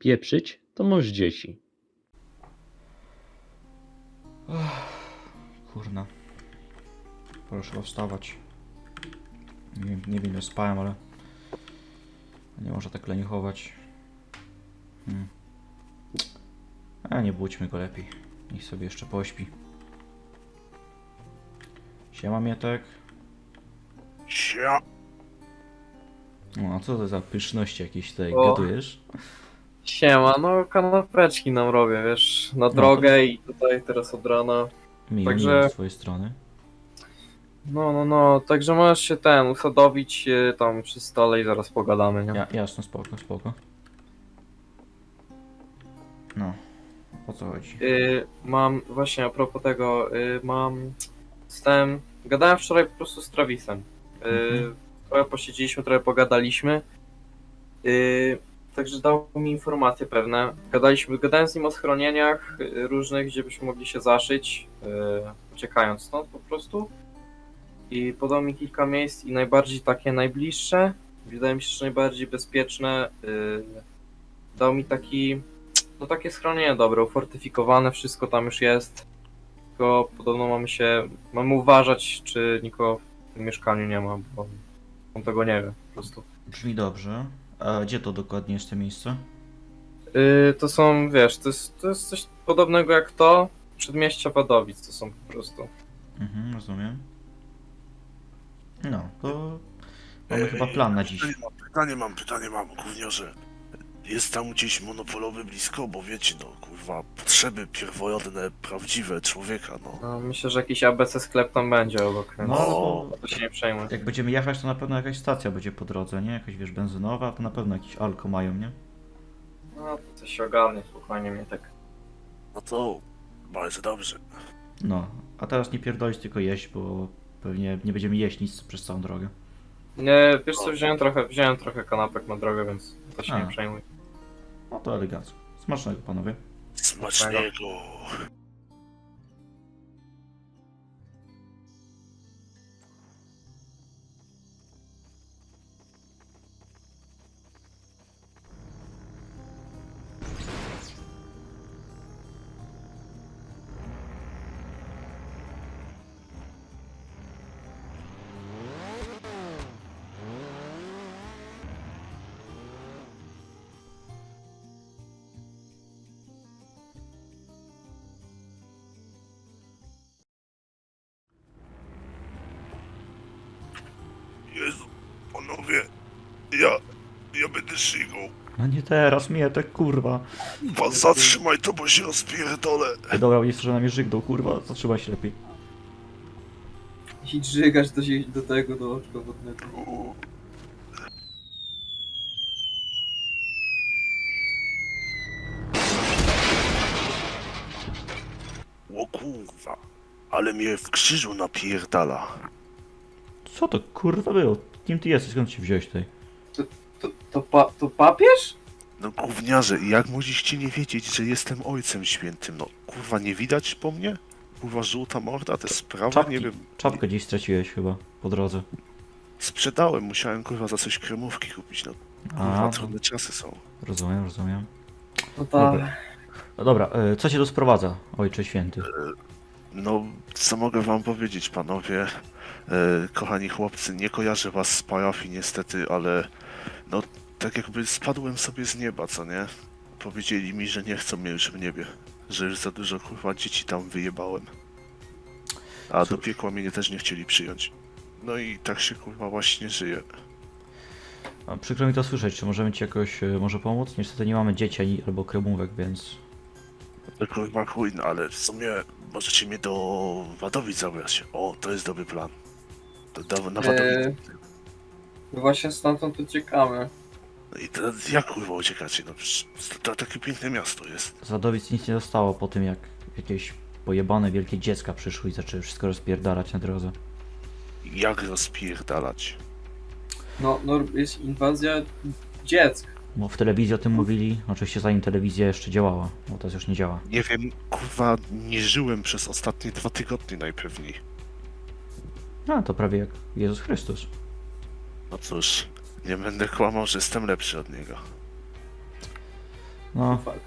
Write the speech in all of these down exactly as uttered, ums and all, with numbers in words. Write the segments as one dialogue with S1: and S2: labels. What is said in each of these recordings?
S1: pieprzyć, to masz dzieci.
S2: Kurna. Proszę chyba wstawać. Nie wiem, nie wiem, ile spałem, ale nie można tak leniuchować. Hmm. A nie budźmy go lepiej. Niech sobie jeszcze pośpi. Siema, Mietek.
S3: Sia.
S2: No, a co to za pyszności jakieś tutaj
S4: O.
S2: gotujesz?
S4: Siema, no kanapeczki nam robię, wiesz, na drogę i tutaj teraz od rana.
S2: Miło,
S4: Także-
S2: miło z twojej strony.
S4: No, no, no, także możesz się ten, usadowić e, tam przy stole i zaraz pogadamy, nie?
S2: Ja, jasno, spoko, spoko. No, o co chodzi?
S4: Y, mam, właśnie a propos tego, y, mam, stałem, gadałem wczoraj po prostu z Travisem. Y,
S2: Mhm.
S4: Trochę posiedzieliśmy, trochę pogadaliśmy. Y, także dał mi informacje pewne. Gadaliśmy, gadałem z nim o schronieniach y, różnych, gdzie byśmy mogli się zaszyć, y, uciekając stąd po prostu. I podał mi kilka miejsc i najbardziej takie najbliższe, wydaje mi się, że najbardziej bezpieczne. y, Dał mi taki, no takie schronienie dobre, ufortyfikowane, wszystko tam już jest. Tylko podobno mamy się, mamy uważać, czy nikogo w tym mieszkaniu nie ma, bo on tego nie wie po prostu.
S2: Brzmi dobrze. A gdzie to dokładnie jest to miejsce?
S4: Yy, to są, wiesz, to jest, to jest coś podobnego jak to, przedmieścia Wadowic to są po prostu.
S2: Mhm, rozumiem. No, to mamy chyba plan na dziś.
S3: Pytanie mam, pytanie mam, pytanie mam, gówniarze. Jest tam gdzieś monopolowy blisko, bo wiecie, no kurwa, potrzeby pierwotne, prawdziwe człowieka, no.
S4: No, myślę, że jakiś A B C sklep tam będzie obok, więc
S2: No,
S3: O.
S2: no
S4: to się nie przejmuj.
S2: jak będziemy jechać, to na pewno jakaś stacja będzie po drodze, nie? Jakaś, wiesz, benzynowa, to na pewno jakiś alko mają, nie?
S4: No, to coś się ogarnie, spokojnie mnie tak.
S3: No to bardzo dobrze.
S2: No, a teraz nie pierdolić, tylko jeść, bo pewnie nie będziemy jeść nic przez całą drogę.
S4: Nie, wiesz co, wziąłem trochę, wziąłem trochę kanapek na drogę, więc to się
S2: A.
S4: nie przejmuj.
S2: No to elegancko. Smacznego, panowie.
S3: Smacznego. Jezu, panowie, ja, ja będę szygą.
S2: No nie teraz, Mietek, kurwa.
S3: Pan zatrzymaj to, bo się rozpierdolę.
S2: Ej, dobra, jest, że na mnie żygdą, kurwa, zatrzymaj się lepiej.
S4: I drzygasz do, do tego, do oczka wodnego.
S3: U. O kurwa, ale mnie w krzyżu napierdala.
S2: Co to kurwa było? Kim ty jesteś? Skąd się wziąłeś tutaj?
S4: To, to, pa, to papież?
S3: No gówniarze, jak mogliście nie wiedzieć, że jestem ojcem świętym? No kurwa, nie widać po mnie? Kurwa, żółta morda, te sprawy,
S2: Czapki,
S3: nie wiem.
S2: czapkę gdzieś straciłeś chyba po drodze.
S3: Sprzedałem, musiałem kurwa za coś kremówki kupić, no kurwa,
S2: A,
S3: trudne czasy są.
S2: rozumiem, rozumiem.
S4: No
S2: Dobra.
S4: tak.
S2: No dobra, e, co cię tu sprowadza, ojcze święty?
S3: No, co mogę wam powiedzieć, panowie? E, kochani chłopcy, nie kojarzę was z parafii niestety, ale no, tak jakby spadłem sobie z nieba, co nie? Powiedzieli mi, że nie chcą mnie już w niebie, że już za dużo kurwa dzieci tam wyjebałem. A do
S2: Cóż.
S3: piekła mnie też nie chcieli przyjąć. No i tak się kurwa właśnie żyje.
S2: A, przykro mi to słyszeć, czy możemy ci jakoś e, może pomóc? Niestety nie mamy dzieci ani, albo kremówek, więc...
S3: To kurwa chuj, no ale w sumie możecie mnie do Wadowic zabrać. O, to jest dobry plan. To da, na Wadowic.
S4: Eee, właśnie stamtąd uciekamy.
S3: No i teraz jak kurwa uciekacie? No przecież to, to takie piękne miasto jest.
S2: Z Wadowic nic nie zostało po tym, jak jakieś pojebane wielkie dziecka przyszły i zaczęły wszystko rozpierdalać na drodze.
S3: Jak rozpierdalać?
S4: No, no jest inwazja dziecka.
S2: Bo w telewizji o tym mówili, oczywiście zanim telewizja jeszcze działała, bo teraz już nie działa.
S3: Nie wiem, kurwa, nie żyłem przez ostatnie dwa tygodnie najpewniej.
S2: A, to prawie jak Jezus Chrystus.
S3: No cóż, nie będę kłamał, że jestem lepszy od niego.
S2: No,
S4: Fakt.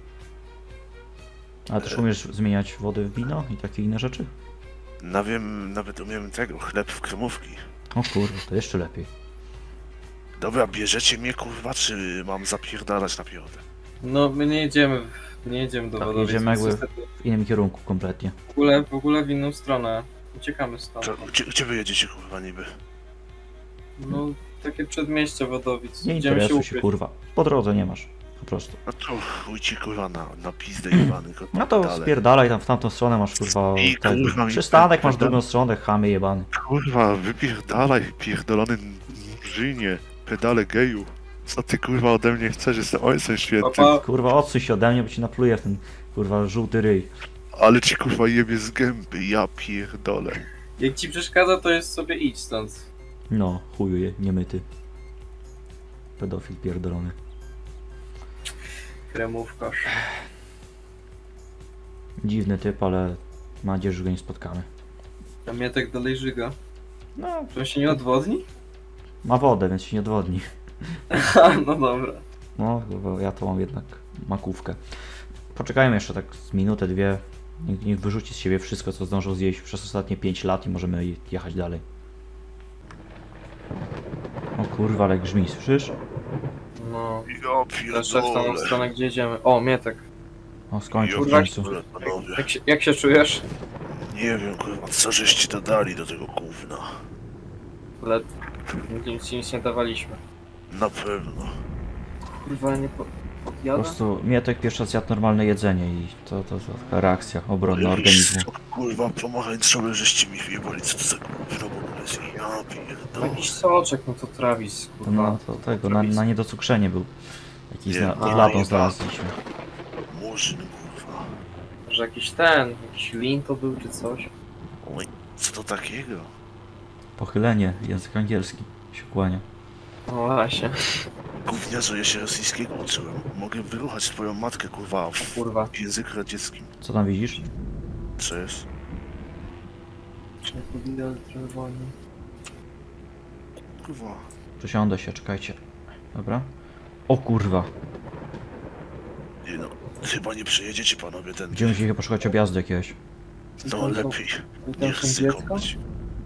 S2: ale też umiesz zmieniać wodę w wino i takie inne rzeczy?
S3: Na wiem, nawet umiem tego, chleb w kremówki.
S2: O kurde, to jeszcze lepiej.
S3: Dobra, bierzecie mnie kurwa, czy mam zapierdalać na piechotę?
S4: No, my nie jedziemy, w- nie jedziemy do
S2: Tak,
S4: Wadowic,
S2: jedziemy
S4: więc
S2: jakby-
S4: niestety
S2: W innym kierunku kompletnie.
S4: w ogóle, w ogóle w inną stronę. Uciekamy stąd.
S3: To, gdzie, gdzie wy jedziecie kurwa niby?
S4: No, takie przedmieście Wadowic.
S2: Nie
S4: Idziemy się
S2: interesuj się,
S4: ukryć.
S2: kurwa. Po drodze nie masz. Po prostu.
S3: No to chuj ci kurwa na, na pizdę jebany. kot
S2: No to
S3: dalej.
S2: spierdalaj tam w tamtą stronę masz kurwa.
S3: I
S2: ten
S3: kurwa mi-
S2: przystanek masz w
S3: pedał-
S2: drugą stronę, chamy jebany.
S3: Kurwa, wypierdalaj, pierdolony murzynie, pedale geju. Co ty kurwa ode mnie chcesz? Jestem ojcem świętym.
S4: Papa,
S2: Kurwa odsuń się ode mnie, bo ci napluję w ten kurwa żółty ryj.
S3: Ale ci kurwa jebie z gęby, ja pierdolę.
S4: jak ci przeszkadza, to jest sobie idź stąd.
S2: No, chuju je, niemyty. Pedofil pierdolony.
S4: Kremówkarz.
S2: Dziwny typ, ale mam nadzieję, że go nie spotkamy.
S4: A mnie tak dalej żyga.
S2: No,
S4: Czy on się nie odwodni?
S2: ma wodę, więc się nie odwodni.
S4: no dobra.
S2: No, bo ja to mam jednak makówkę. Poczekajmy jeszcze tak z minutę, dwie. Niech, niech wyrzuci z siebie wszystko, co zdążył zjeść przez ostatnie pięć lat i możemy je- jechać dalej. O kurwa, ale grzmi, słyszysz?
S4: No.
S3: Ja
S4: Też w tą
S3: pierdolę.
S4: stronę, gdzie jedziemy. O, Mietek.
S2: O, skończył w
S3: Ja
S2: końcu.
S3: pierdolę, panowie.
S4: Jak się, jak się czujesz?
S3: Nie wiem kurwa, co żeście dodali do tego gówna.
S4: Ale nic ci nic nie dawaliśmy.
S3: Na pewno.
S4: Kurwa, nie po...
S2: Po
S4: podjada?
S2: prostu Mietek pierwszy raz jadł normalne jedzenie i to, to, to taka reakcja obronna organizmu.
S3: Co, kurwa, pomarańczowe żeście mi wyjebali, co to za gówno w ogóle jest? Ja pierdolę.
S4: Jakiś soczek, no to Travis, kurwa.
S2: No to tego, na, na niedocukrzenie był. Jakiś
S3: Nie,
S2: zna,
S3: no,
S2: pod ladą
S3: nie,
S2: znaleźliśmy.
S3: Murzyn, kurwa.
S4: Że jakiś ten, jakiś lin to był czy coś.
S3: Oj, co to takiego?
S2: Pochylenie, język angielski się kłania.
S4: No właśnie,
S3: Gówniarzu, ja się rosyjskiego uczyłem. Mogę wyruchać twoją matkę, kurwa, w
S4: kurwa.
S3: języku radzieckim.
S2: Co tam widzisz?
S3: Co jest?
S4: Trzeba powinno trochę wolniej.
S3: Kurwa.
S2: Przesiądę się, czekajcie. Dobra. O kurwa.
S3: Nie no, chyba nie przejedziecie panowie ten.
S2: Będziemy musieli chyba poszukać objazdu jakiegoś.
S3: No lepiej.
S4: I tam
S3: Niech
S4: są
S3: syką
S4: dziecko?
S3: być.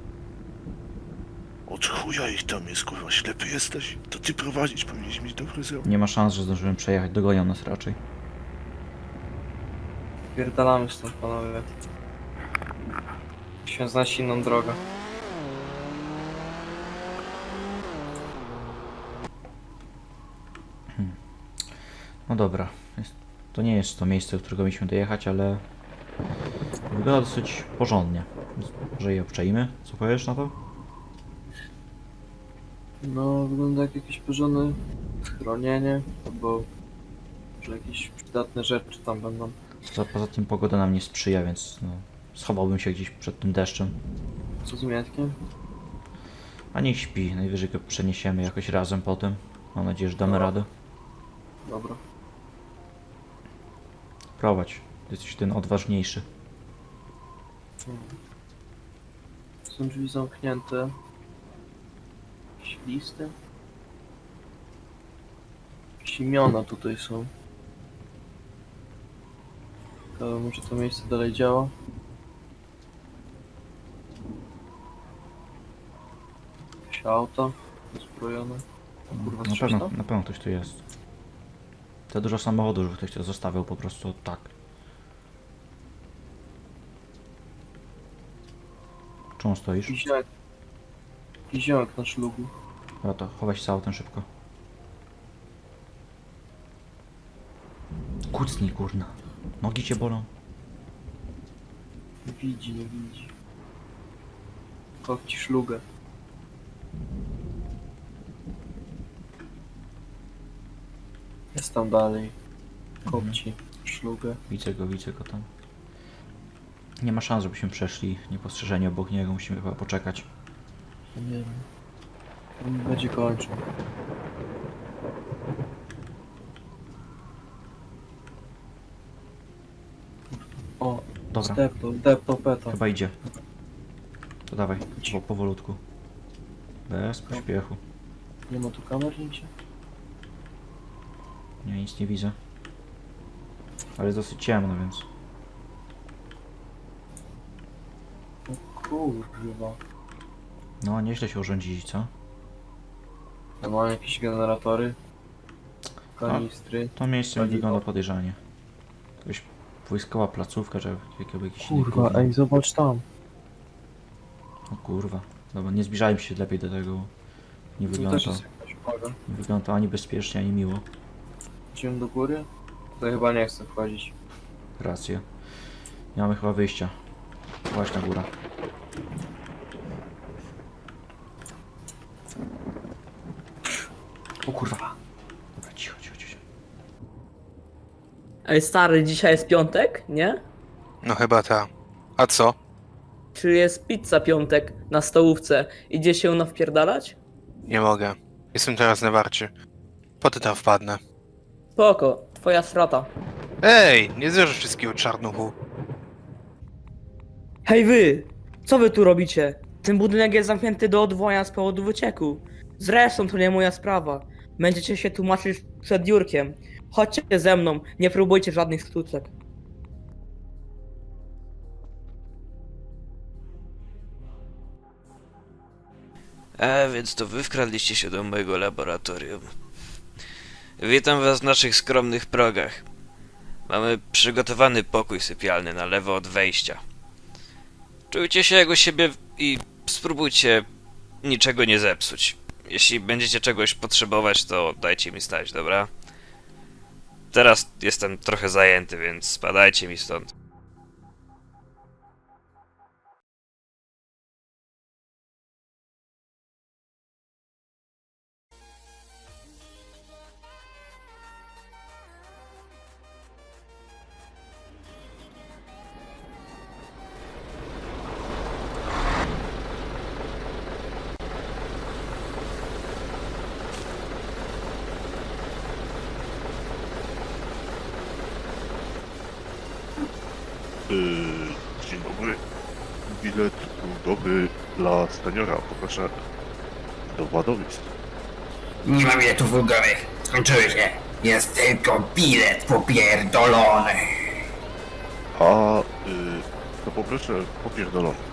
S3: Od chuja ich tam jest, kurwa, ślepy jesteś? To ty prowadzić powinieneś mieć dobry wzrok.
S2: Nie ma szans, że zdążymy przejechać. Dogonią nas raczej.
S4: Pierdalamy stąd, panowie. Musimy znaleźć inną drogę.
S2: No dobra. Jest, to nie jest to miejsce, do którego mieliśmy dojechać, ale wygląda dosyć porządnie. Więc może je obczajmy? Co powiesz na to?
S4: No, wygląda jak jakieś porządne schronienie, albo że jakieś przydatne rzeczy tam będą.
S2: Poza, poza tym pogoda nam nie sprzyja, więc no, schowałbym się gdzieś przed tym deszczem.
S4: Co z Mietkiem?
S2: A niech śpi, najwyżej go przeniesiemy jakoś razem potem. Mam nadzieję, że damy
S4: No.
S2: radę.
S4: Dobra.
S2: Prowadź, ty jesteś ten odważniejszy.
S4: Są drzwi zamknięte. Jakieś listy? Jakieś imiona tutaj są. To może to miejsce dalej działa? Jakieś auto uzbrojone. O kurwa,
S2: Na
S4: strzelasz
S2: pewno,
S4: to?
S2: na pewno ktoś tu jest. Za dużo samochodów, żeby ktoś to zostawiał po prostu tak. Czemu stoisz?
S4: Jakiś ziomek. Jakiś ziomek na szlugu.
S2: Dobra, to chowaj się z autem szybko. Kucnij, kurna. Nogi cię bolą.
S4: Nie widzi, nie widzi. Chodź ci szlugę. Jest tam dalej. Kopci szlugę.
S2: Widzę go, widzę go tam. Nie ma szans, żebyśmy przeszli niepostrzeżeni obok niego. Musimy chyba poczekać.
S4: Nie wiem. On będzie kończył. O,
S2: Dobra,
S4: zdepnął, depnął peta.
S2: chyba idzie. To dawaj, po, powolutku. Bez pośpiechu.
S4: Nie ma tu kamer nigdzie?
S2: Nie, nic nie widzę. Ale jest dosyć ciemno, więc...
S4: Kurwa.
S2: No, nieźle się urządzili, co?
S4: Ja mam jakieś generatory. Kanistry.
S2: To miejsce mi
S4: Paliwo.
S2: wygląda podejrzanie. Jakaś wojskowa placówka, czy jakby jakiś...
S5: Kurwa,
S2: gówno.
S5: ej, zobacz tam.
S2: O kurwa. Dobra, nie zbliżajmy się lepiej do tego. Nie
S4: Tu
S2: wygląda
S4: też
S2: to,
S4: jest jakaś uwaga.
S2: nie wygląda to ani bezpiecznie, ani miło.
S4: Idziemy do góry? To chyba nie chcę wchodzić.
S2: Rację. Nie mamy chyba wyjścia. Właśnie na górę. O kurwa. Dobra, cicho, cicho, cicho.
S6: Ej stary, dzisiaj jest piątek, nie?
S7: No chyba ta. A co?
S6: Czy jest pizza piątek na stołówce? Idzie się ją wpierdalać?
S7: Nie mogę. Jestem teraz na warcie. Potem tam wpadnę.
S6: Spoko, twoja strata.
S7: Ej, nie zjeżdżę wszystkiego czarnuchu.
S6: Hej wy! Co wy tu robicie? Ten budynek jest zamknięty do odwołania z powodu wycieku. Zresztą to nie moja sprawa. Będziecie się tłumaczyć przed Jurkiem. Chodźcie ze mną, nie próbujcie żadnych sztuczek.
S8: A więc to wy wkradliście się do mojego laboratorium. Witam was w naszych skromnych progach. Mamy przygotowany pokój sypialny na lewo od wejścia. Czujcie się jak u siebie i spróbujcie niczego nie zepsuć. Jeśli będziecie czegoś potrzebować, to dajcie mi znać, dobra? Teraz jestem trochę zajęty, więc spadajcie mi stąd.
S3: Yy, dzień dobry. Bilet ulgowy dla seniora, poproszę do Władowic.
S9: Nie ma biletów ulgowych. Skończyły się. Jest tylko bilet popierdolony.
S3: A yy, to poproszę popierdolony.